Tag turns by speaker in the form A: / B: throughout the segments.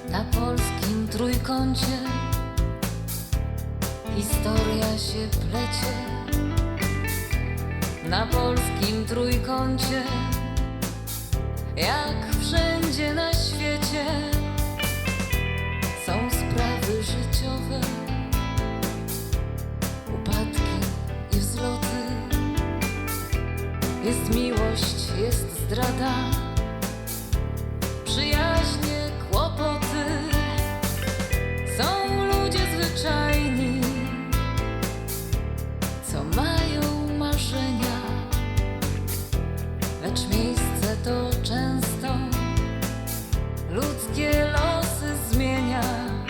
A: Na polskim trójkącie historia się plecie. Na polskim trójkącie, jak wszędzie na świecie, są sprawy życiowe, upadki i wzloty. Jest miłość, jest zdrada, przyjaźnie, kłopoty. Są ludzie zwyczajni, co mają marzenia, lecz miejsce to często ludzkie losy zmienia.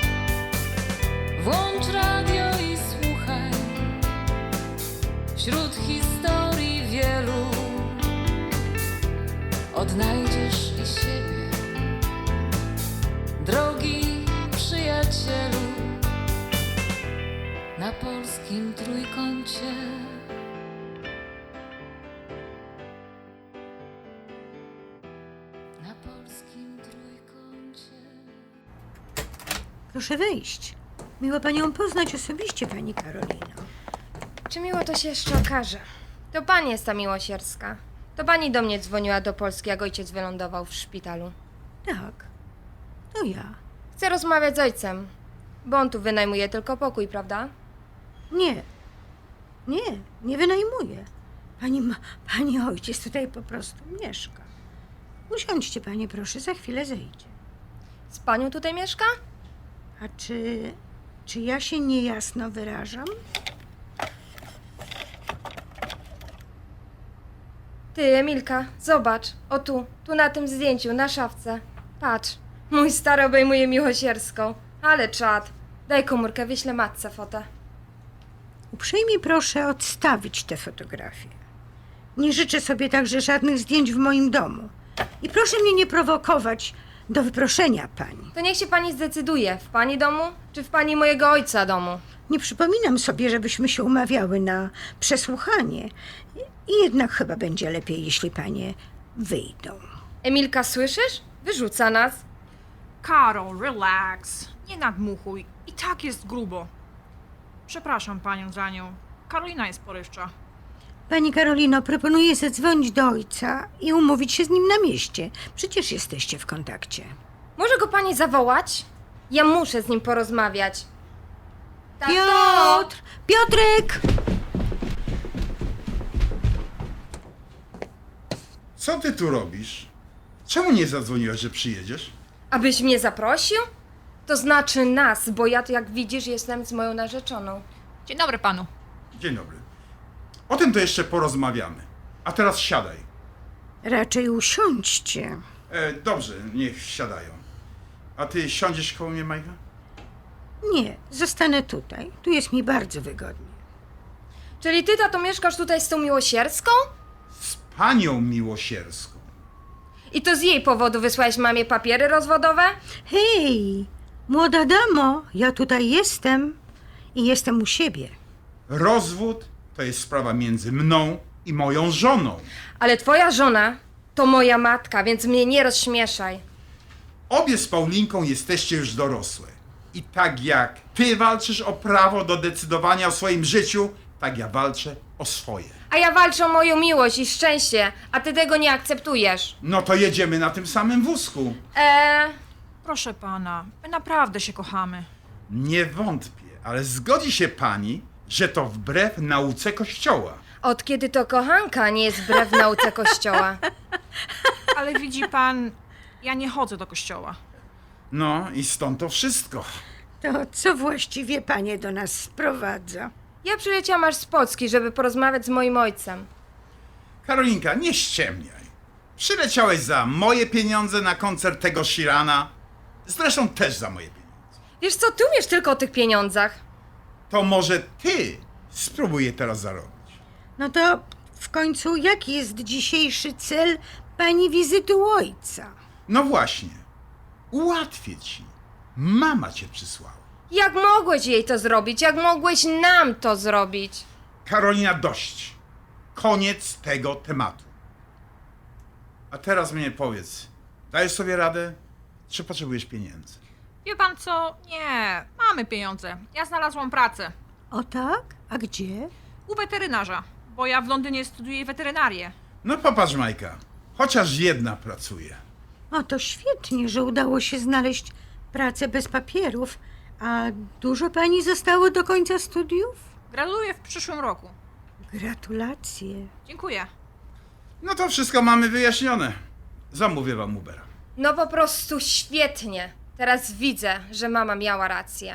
A: Włącz radio i słuchaj, wśród historii wielu odnajdziesz i siebie, drogi przyjacielu. Na polskim trójkącie. Na polskim trójkącie.
B: Proszę wejść. Miło panią poznać osobiście, pani Karolino.
C: Czy miło to się jeszcze okaże? To pani jest ta miłosierska. To pani do mnie dzwoniła do Polski, jak ojciec wylądował w szpitalu.
B: Tak, to ja.
C: Chcę rozmawiać z ojcem, bo on tu wynajmuje tylko pokój, prawda?
B: Nie wynajmuję. Pani ojciec tutaj po prostu mieszka. Usiądźcie, panie, proszę, za chwilę zejdzie.
C: Z panią tutaj mieszka?
B: A czy ja się niejasno wyrażam?
C: Ty, Emilka, zobacz. O tu na tym zdjęciu, na szafce. Patrz, mój stary obejmuje miłosierską. Ale czad. Daj komórkę, wyślę matce fotę.
B: Uprzejmie proszę odstawić te fotografie. Nie życzę sobie także żadnych zdjęć w moim domu. I proszę mnie nie prowokować do wyproszenia pani.
C: To niech się pani zdecyduje, w pani domu, czy w pani mojego ojca domu.
B: Nie przypominam sobie, żebyśmy się umawiały na przesłuchanie. I jednak chyba będzie lepiej, jeśli panie wyjdą.
C: Emilka, słyszysz? Wyrzuca nas.
D: Karol, relax. Nie nadmuchuj. I tak jest grubo. Przepraszam panią za nią. Karolina jest porywcza.
B: Pani Karolino, proponuję zadzwonić do ojca i umówić się z nim na mieście. Przecież jesteście w kontakcie.
C: Może go pani zawołać? Ja muszę z nim porozmawiać. Tato!
B: Piotr! Piotrek!
E: Co ty tu robisz? Czemu nie zadzwoniłaś, że przyjedziesz?
C: Abyś mnie zaprosił? To znaczy nas, bo ja, jak widzisz, jestem z moją narzeczoną.
D: Dzień dobry panu.
E: Dzień dobry. O tym to jeszcze porozmawiamy. A teraz siadaj.
B: Raczej usiądźcie.
E: Dobrze, niech siadają. A ty siądziesz koło mnie, Majka?
B: Nie, zostanę tutaj. Tu jest mi bardzo wygodnie.
C: Czyli ty, tato, mieszkasz tutaj z tą miłosierską?
E: Z panią miłosierską.
C: I to z jej powodu wysłałeś mamie papiery rozwodowe?
B: Hej, młoda damo, ja tutaj jestem i jestem u siebie.
E: Rozwód to jest sprawa między mną i moją żoną.
C: Ale twoja żona to moja matka, więc mnie nie rozśmieszaj.
E: Obie z Paulinką jesteście już dorosłe. I tak jak ty walczysz o prawo do decydowania o swoim życiu, tak ja walczę o swoje.
C: A ja walczę o moją miłość i szczęście, a ty tego nie akceptujesz.
E: No to jedziemy na tym samym wózku.
D: Proszę pana, my naprawdę się kochamy.
E: Nie wątpię, ale zgodzi się pani, że to wbrew nauce Kościoła.
C: Od kiedy to kochanka nie jest wbrew nauce Kościoła?
D: Ale widzi pan, ja nie chodzę do kościoła.
E: No i stąd to wszystko.
B: To co właściwie panie do nas sprowadza?
C: Ja przyleciałam aż z Polski, żeby porozmawiać z moim ojcem.
E: Karolinka, nie ściemniaj. Przyleciałeś za moje pieniądze na koncert tego Shirana. Zresztą też za moje pieniądze.
C: Wiesz co, ty umiesz tylko o tych pieniądzach.
E: To może ty spróbuj je teraz zarobić.
B: No to w końcu jaki jest dzisiejszy cel pani wizyty u ojca?
E: No właśnie. Ułatwię ci. Mama cię przysłała.
C: Jak mogłeś jej to zrobić? Jak mogłeś nam to zrobić?
E: Karolina, dość. Koniec tego tematu. A teraz mnie powiedz, dajesz sobie radę, czy potrzebujesz pieniędzy?
D: Wie pan co? Nie, mamy pieniądze. Ja znalazłam pracę.
B: O tak? A gdzie?
D: U weterynarza, bo ja w Londynie studiuję weterynarię.
E: No popatrz, Majka, chociaż jedna pracuje.
B: O, to świetnie, że udało się znaleźć pracę bez papierów. A dużo pani zostało do końca studiów?
D: Graduję w przyszłym roku.
B: Gratulacje.
D: Dziękuję.
E: No to wszystko mamy wyjaśnione. Zamówię wam Ubera.
C: No po prostu świetnie. Teraz widzę, że mama miała rację.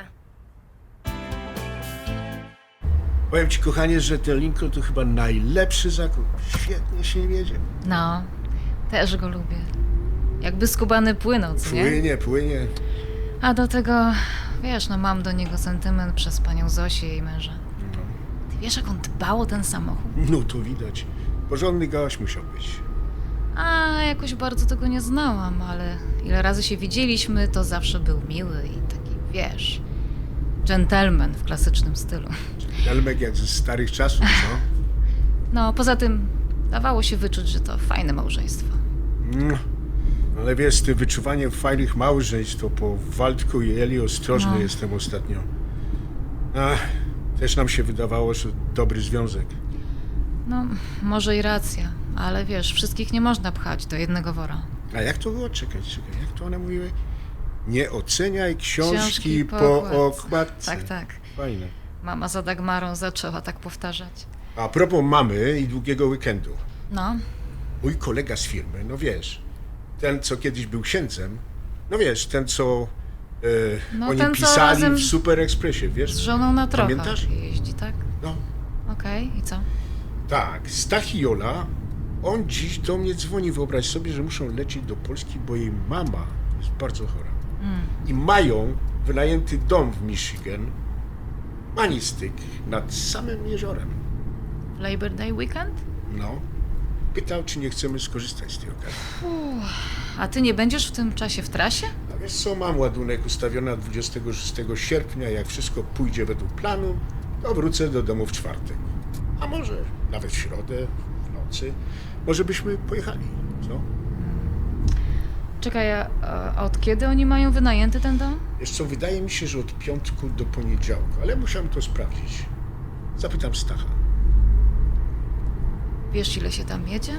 F: Powiem ci, kochanie, że ten Lincoln to chyba najlepszy zakup. Świetnie się wiedzie.
A: No, też go lubię. Jakby skubany płynął, co nie?
F: Płynie.
A: A do tego, wiesz, no mam do niego sentyment przez panią Zosię i jej męża. Ty wiesz, jak on dbał o ten samochód?
F: No to widać. Porządny gość musiał być.
A: A jakoś bardzo tego nie znałam, ale ile razy się widzieliśmy, to zawsze był miły i taki, wiesz, dżentelmen w klasycznym stylu.
F: Elmek jak ze starych czasów, co?
A: No, poza tym dawało się wyczuć, że to fajne małżeństwo.
F: No. Ale wiesz, z tym wyczuwaniem fajnych małżeństw, to po Waldku i Eli ostrożny jestem ostatnio. Ach, też nam się wydawało, że dobry związek.
A: No, może i racja, ale wiesz, wszystkich nie można pchać do jednego wora.
F: A jak to było? Czekaj, jak to one mówiły? Nie oceniaj książki po okładce.
A: Tak.
F: Fajne.
A: Mama za Dagmarą zaczęła tak powtarzać.
F: A propos mamy i długiego weekendu.
A: No,
F: Mój kolega z firmy, no wiesz, ten, co kiedyś był księdzem, no wiesz, ten, co
A: No,
F: oni
A: ten, co
F: pisali
A: razem
F: w Super Expressie, wiesz?
A: z żoną na trochę
F: Pamiętasz?
A: jeździ, tak?
F: No,
A: Okej, i co?
F: tak, Stach i Jola, on dziś do mnie dzwoni, wyobraź sobie, że muszą lecieć do Polski, bo jej mama jest bardzo chora. I mają wynajęty dom w Michigan, Manistyk, nad samym jeziorem.
A: W Labor Day weekend?
F: No, pytał, czy nie chcemy skorzystać z tej okazji.
A: A ty nie będziesz w tym czasie w trasie?
F: A wiesz co, mam ładunek ustawiony na 26 sierpnia, jak wszystko pójdzie według planu, to wrócę do domu w czwartek. A może nawet w środę, w nocy. Może byśmy pojechali, co?
A: Czekaj, a od kiedy oni mają wynajęty ten dom?
F: Wiesz co, wydaje mi się, że od piątku do poniedziałku, ale musiałem to sprawdzić. Zapytam Stacha.
A: Wiesz, ile się tam jedzie?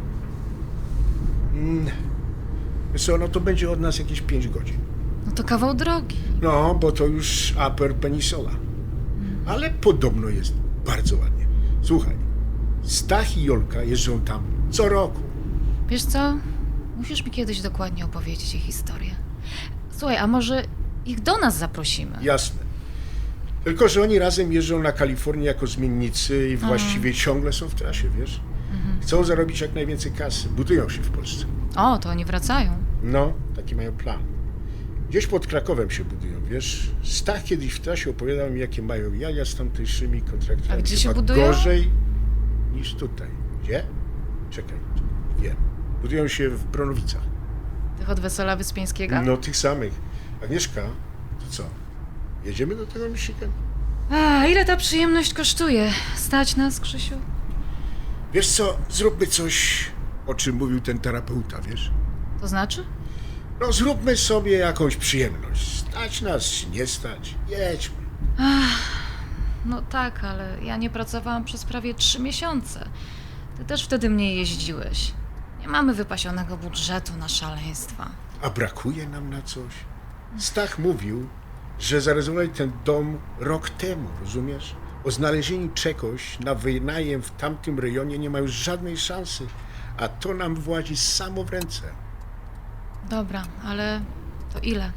F: Wiesz co, no to będzie od nas jakieś 5 godzin.
A: No to kawał drogi.
F: No, bo to już Upper Peninsula. Ale podobno jest bardzo ładnie. Słuchaj, Stach i Jolka jeżdżą tam co roku.
A: Wiesz co? Musisz mi kiedyś dokładnie opowiedzieć ich historię. Słuchaj, a może ich do nas zaprosimy?
F: Jasne. Tylko, że oni razem jeżdżą na Kalifornię jako zmiennicy i właściwie ciągle są w trasie, wiesz? Chcą zarobić jak najwięcej kasy. Budują się w Polsce.
A: O, to oni wracają.
F: No, taki mają plan. Gdzieś pod Krakowem się budują, wiesz? Stach kiedyś w trasie opowiadał mi, jakie mają jaja z tamtejszymi kontraktami.
A: A gdzie się
F: Chyba
A: budują?
F: Gorzej niż tutaj. Gdzie? Czekaj, wiem. Budują się w Bronowicach.
A: Tych od Wesela Wyspiańskiego?
F: No, tych samych. Agnieszka, to co? Jedziemy do tego Michigan?
A: A, ile ta przyjemność kosztuje? Stać nas, Krzysiu?
F: Wiesz co, zróbmy coś, o czym mówił ten terapeuta, wiesz?
A: To znaczy?
F: No, zróbmy sobie jakąś przyjemność. Stać nas, czy nie stać. Jedźmy.
A: No tak, ale ja nie pracowałam przez prawie 3 miesiące. Ty też wtedy mniej jeździłeś. Nie mamy wypasionego budżetu na szaleństwa.
F: A brakuje nam na coś? Stach mówił, że zarezerwowali ten dom rok temu, rozumiesz? O znalezieniu czegoś na wynajem w tamtym rejonie nie ma już żadnej szansy, a to nam włazi samo w ręce.
A: Dobra, ale to ile?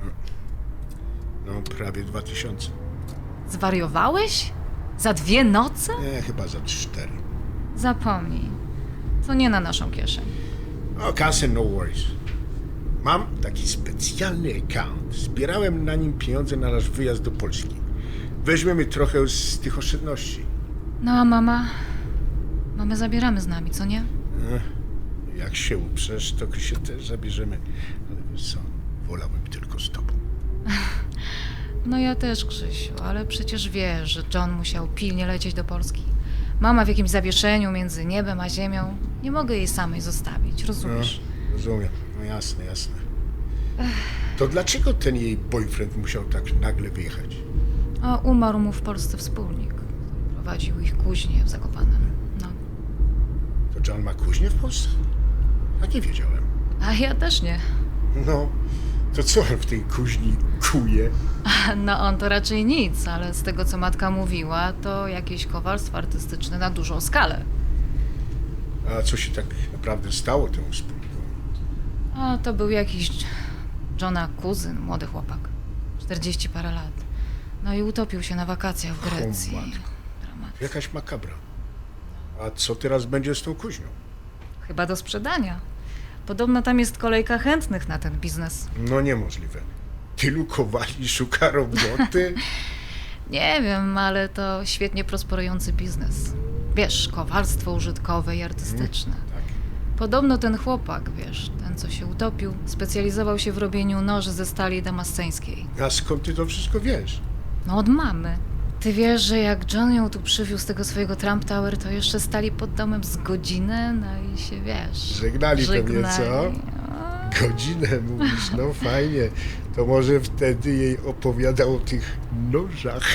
F: No, prawie 2000.
A: Zwariowałeś? Za 2 noce?
F: Nie, chyba za 4.
A: Zapomnij. To nie na naszą kieszeń.
F: O, kasę no worries. Mam taki specjalny account. Zbierałem na nim pieniądze na nasz wyjazd do Polski. Weźmiemy trochę z tych oszczędności.
A: No a mama? Mamę zabieramy z nami, co nie?
F: Jak się uprzesz, to się też zabierzemy. Ale wiesz co, wolałbym tylko z tobą.
A: No ja też, Krzysiu, ale przecież wiesz, że John musiał pilnie lecieć do Polski. Mama w jakimś zawieszeniu między niebem a ziemią. Nie mogę jej samej zostawić, rozumiesz?
F: Rozumiem. No jasne, jasne. To dlaczego ten jej boyfriend musiał tak nagle wyjechać?
A: A umarł mu w Polsce wspólnik. Prowadził ich kuźnię w Zakopanem. No.
F: To John ma kuźnię w Polsce? A nie wiedziałem.
A: A ja też nie.
F: No, to co on w tej kuźni kuje?
A: No on to raczej nic, ale z tego co matka mówiła, to jakieś kowalstwo artystyczne na dużą skalę.
F: A co się tak naprawdę stało temu wspólnikowi?
A: A to był jakiś Johna kuzyn, młody chłopak. 40 parę lat. No i utopił się na wakacjach w Grecji.
F: O matko.
A: Dramat.
F: Jakaś makabra. A co teraz będzie z tą kuźnią?
A: Chyba do sprzedania. Podobno tam jest kolejka chętnych na ten biznes.
F: No niemożliwe. Tylu kowali szuka roboty?
A: Nie wiem, ale to świetnie prosperujący biznes. Wiesz, kowalstwo użytkowe i artystyczne.
F: Tak.
A: Podobno ten chłopak, wiesz, ten co się utopił, specjalizował się w robieniu noży ze stali damasceńskiej.
F: A skąd ty to wszystko wiesz?
A: No od mamy. Ty wiesz, że jak John ją tu przywiózł z tego swojego Trump Tower, to jeszcze stali pod domem z godzinę, no i się, wiesz...
F: Żegnali pewnie, co? Godzinę mówisz, no fajnie. To może wtedy jej opowiadał o tych nożach.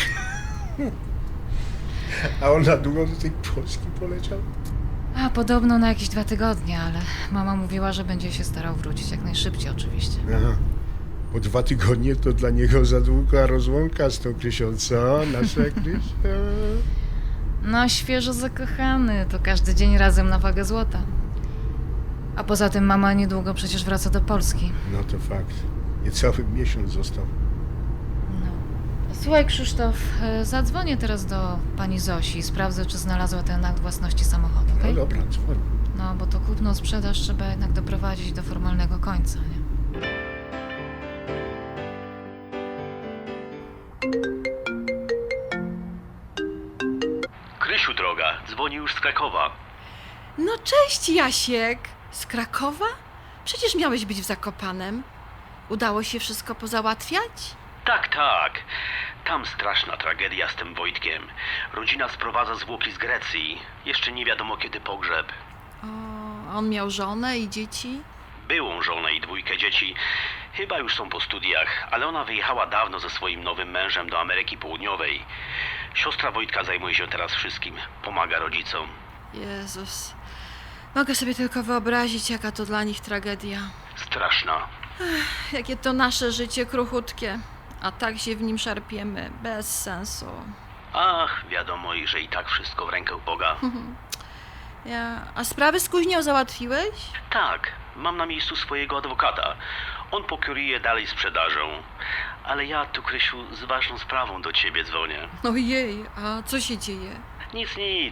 F: A on na długo do tej Polski poleciał?
A: A podobno na jakieś 2 tygodnie, ale mama mówiła, że będzie się starał wrócić jak najszybciej oczywiście.
F: Aha. Po 2 tygodnie to dla niego za długa rozłąka z tą Krysią, co? Nasza Krysia.
A: No świeżo zakochany, to każdy dzień razem na wagę złota. A poza tym mama niedługo przecież wraca do Polski.
F: No to fakt. Niecały miesiąc został.
A: No. Słuchaj Krzysztof, zadzwonię teraz do pani Zosi i sprawdzę, czy znalazła ten akt własności samochodu,
F: No
A: okej?
F: dobra, dzwoń.
A: No, bo to kupno-sprzedaż trzeba jednak doprowadzić do formalnego końca, nie?
G: Krysiu droga, dzwoni już z Krakowa.
H: No cześć, Jasiek. Z Krakowa? Przecież miałeś być w Zakopanem. Udało się wszystko pozałatwiać?
G: Tak, tak. Tam straszna tragedia z tym Wojtkiem. Rodzina sprowadza zwłoki z Grecji. Jeszcze nie wiadomo kiedy pogrzeb.
H: O, a on miał żonę i dzieci?
G: Byłą żonę i 2 dzieci. Chyba już są po studiach, ale ona wyjechała dawno ze swoim nowym mężem do Ameryki Południowej. Siostra Wojtka zajmuje się teraz wszystkim. Pomaga rodzicom.
H: Jezus. Mogę sobie tylko wyobrazić, jaka to dla nich tragedia.
G: Straszna.
H: Jakie to nasze życie kruchutkie. A tak się w nim szarpiemy. Bez sensu.
G: Ach, wiadomo, że i tak wszystko w rękę Boga.
H: A sprawy z kuźnią załatwiłeś?
G: Tak, mam na miejscu swojego adwokata. On pokieruje dalej sprzedażą. Ale ja tu, Krysiu, z ważną sprawą do ciebie dzwonię.
H: Ojej, a co się dzieje?
G: Nic, nic.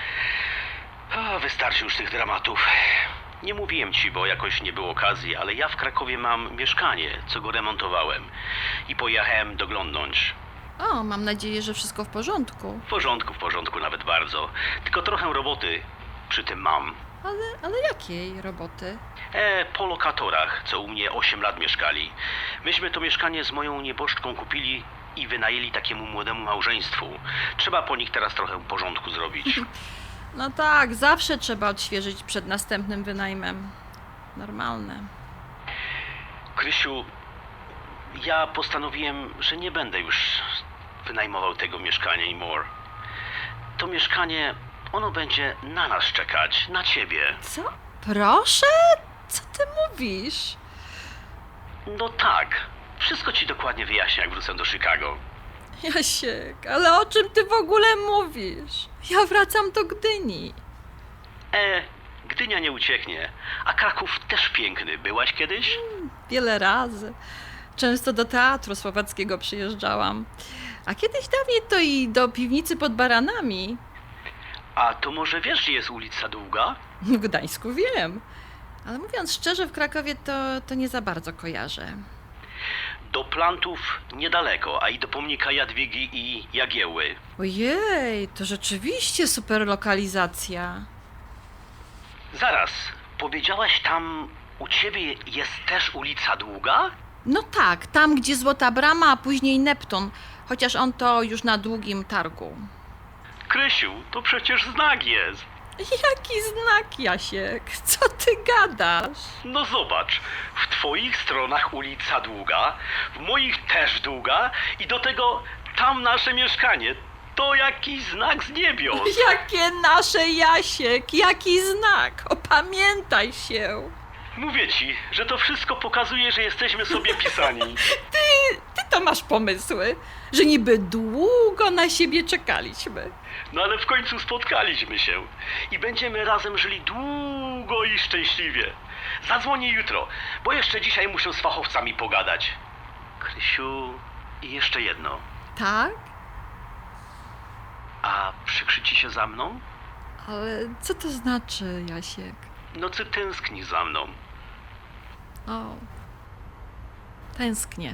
G: Wystarczy już tych dramatów. Nie mówiłem ci, bo jakoś nie było okazji, ale ja w Krakowie mam mieszkanie, co go remontowałem. I pojechałem doglądnąć.
H: O, mam nadzieję, że wszystko w porządku.
G: W porządku nawet bardzo. Tylko trochę roboty przy tym mam.
H: Ale jakiej roboty?
G: Po lokatorach, co u mnie 8 lat mieszkali. Myśmy to mieszkanie z moją nieboszczką kupili i wynajęli takiemu młodemu małżeństwu. Trzeba po nich teraz trochę porządku zrobić.
H: No tak, zawsze trzeba odświeżyć przed następnym wynajmem. Normalne.
G: Krysiu, ja postanowiłem, że nie będę już wynajmował tego mieszkania anymore. To mieszkanie, ono będzie na nas czekać, na ciebie.
H: Co? Proszę? Co ty mówisz?
G: No tak, wszystko ci dokładnie wyjaśnię, jak wrócę do Chicago.
H: Jasiek, ale o czym ty w ogóle mówisz? Ja wracam do Gdyni.
G: Gdynia nie ucieknie, a Kraków też piękny. Byłaś kiedyś?
H: Wiele razy. Często do teatru słowackiego przyjeżdżałam. A kiedyś dawniej to i do piwnicy pod Baranami.
G: A to może wiesz, gdzie jest ulica Długa?
H: W Gdańsku wiem. Ale mówiąc szczerze, w Krakowie to nie za bardzo kojarzę.
G: Do Plantów niedaleko, a i do pomnika Jadwigi i Jagieły.
H: Ojej, to rzeczywiście super lokalizacja.
G: Zaraz, powiedziałaś tam, u ciebie jest też ulica Długa?
H: No tak, tam gdzie Złota Brama, a później Neptun. Chociaż on to już na Długim Targu.
G: Krysiu, to przecież znak jest.
H: Jaki znak, Jasiek? Co ty gadasz?
G: No zobacz, w twoich stronach ulica długa, w moich też długa i do tego tam nasze mieszkanie. To jakiś znak z niebios.
H: Jakie nasze, Jasiek? Jaki znak? Opamiętaj się.
G: Mówię ci, że to wszystko pokazuje, że jesteśmy sobie pisani.
H: Ty to masz pomysły, że niby długo na siebie czekaliśmy.
G: No ale w końcu spotkaliśmy się i będziemy razem żyli długo i szczęśliwie. Zadzwonię jutro, bo jeszcze dzisiaj muszę z fachowcami pogadać. Krysiu, i jeszcze jedno.
H: Tak?
G: A przykrzy ci się za mną?
H: Ale co to znaczy, Jasiek?
G: No ty tęskni za mną.
H: O, tęsknię.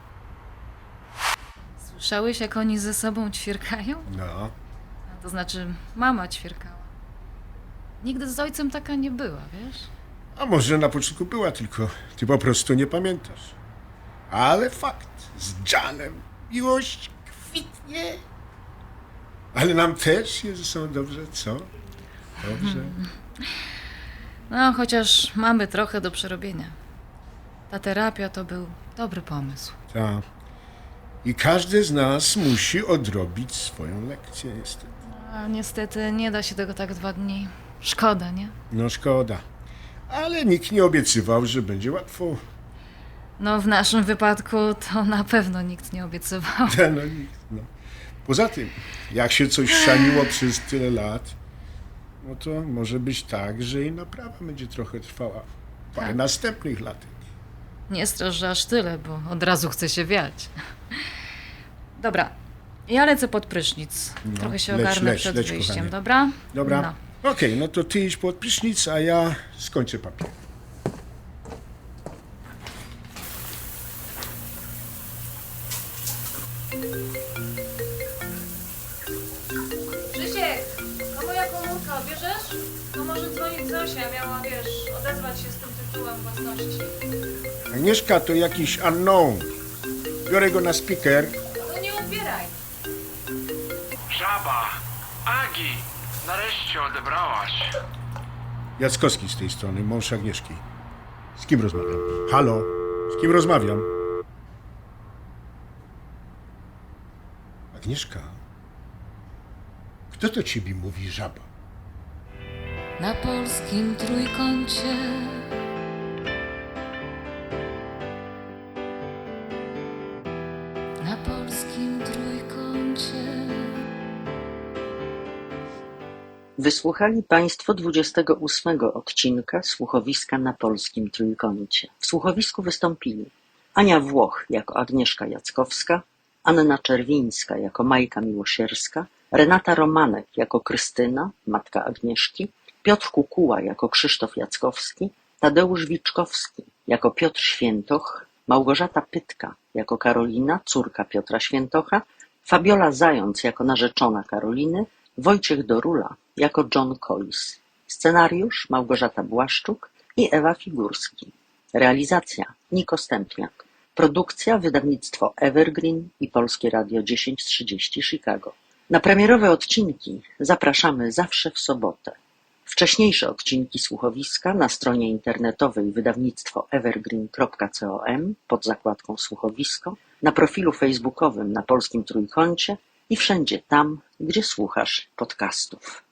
A: Słyszałeś, jak oni ze sobą ćwierkają?
F: No,
A: To znaczy, mama ćwierkała. Nigdy z ojcem taka nie była, wiesz?
F: a może na początku była, tylko ty po prostu nie pamiętasz. Ale fakt, z Janem miłość kwitnie. Ale nam też jest ze sobą dobrze, co? Dobrze.
A: No, chociaż mamy trochę do przerobienia. Ta terapia to był dobry pomysł.
F: Tak. I każdy z nas musi odrobić swoją lekcję, niestety.
A: A niestety nie da się tego tak 2 dni. Szkoda, nie?
F: No szkoda. Ale nikt nie obiecywał, że będzie łatwo.
A: No, w naszym wypadku to na pewno nikt nie obiecywał.
F: No nikt, no. Poza tym, jak się coś szaniło przez tyle lat, no to może być tak, że i naprawa będzie trochę trwała. Parę następnych latek.
A: Nie strasz, że aż tyle, bo od razu chce się wiać. Dobra, ja lecę pod prysznic.
F: No,
A: Trochę się
F: leć,
A: ogarnę
F: leć,
A: przed
F: leć,
A: wyjściem,
F: kochanie.
A: dobra?
F: Dobra.
A: No.
F: Okej, no to ty idź pod prysznic, a ja skończę papier.
A: Krzysiek, a moja komórka odbierzesz? No może dzwonić Zosia, miała, wiesz, odezwać się z tym tytułem własności.
F: Agnieszka to jakiś unknown. Biorę go na speaker.
A: No nie odbieraj.
I: Żaba! Agi! Nareszcie odebrałaś.
F: Jackowski z tej strony, mąż Agnieszki. Z kim rozmawiam? Halo? Z kim rozmawiam? Agnieszka? Kto to ciebie mówi, żaba?
A: Na polskim trójkącie. Na polskim trójkącie.
J: Wysłuchali Państwo 28 odcinka Słuchowiska na polskim trójkącie. W słuchowisku wystąpili Ania Włoch jako Agnieszka Jackowska, Anna Czerwińska jako Majka Miłosierska, Renata Romanek jako Krystyna, matka Agnieszki, Piotr Kukuła jako Krzysztof Jackowski, Tadeusz Wiczkowski jako Piotr Świętoch, Małgorzata Pytka jako Karolina, córka Piotra Świętocha, Fabiola Zając jako narzeczona Karoliny, Wojciech Dorula jako John Collis. Scenariusz Małgorzata Błaszczuk i Ewa Figurski. Realizacja Niko Stępniak. Produkcja wydawnictwo Evergreen i Polskie Radio 1030 Chicago. Na premierowe odcinki zapraszamy zawsze w sobotę. Wcześniejsze odcinki słuchowiska na stronie internetowej wydawnictwo evergreen.com pod zakładką słuchowisko, na profilu facebookowym na Polskim Trójkącie i wszędzie tam, gdzie słuchasz podcastów.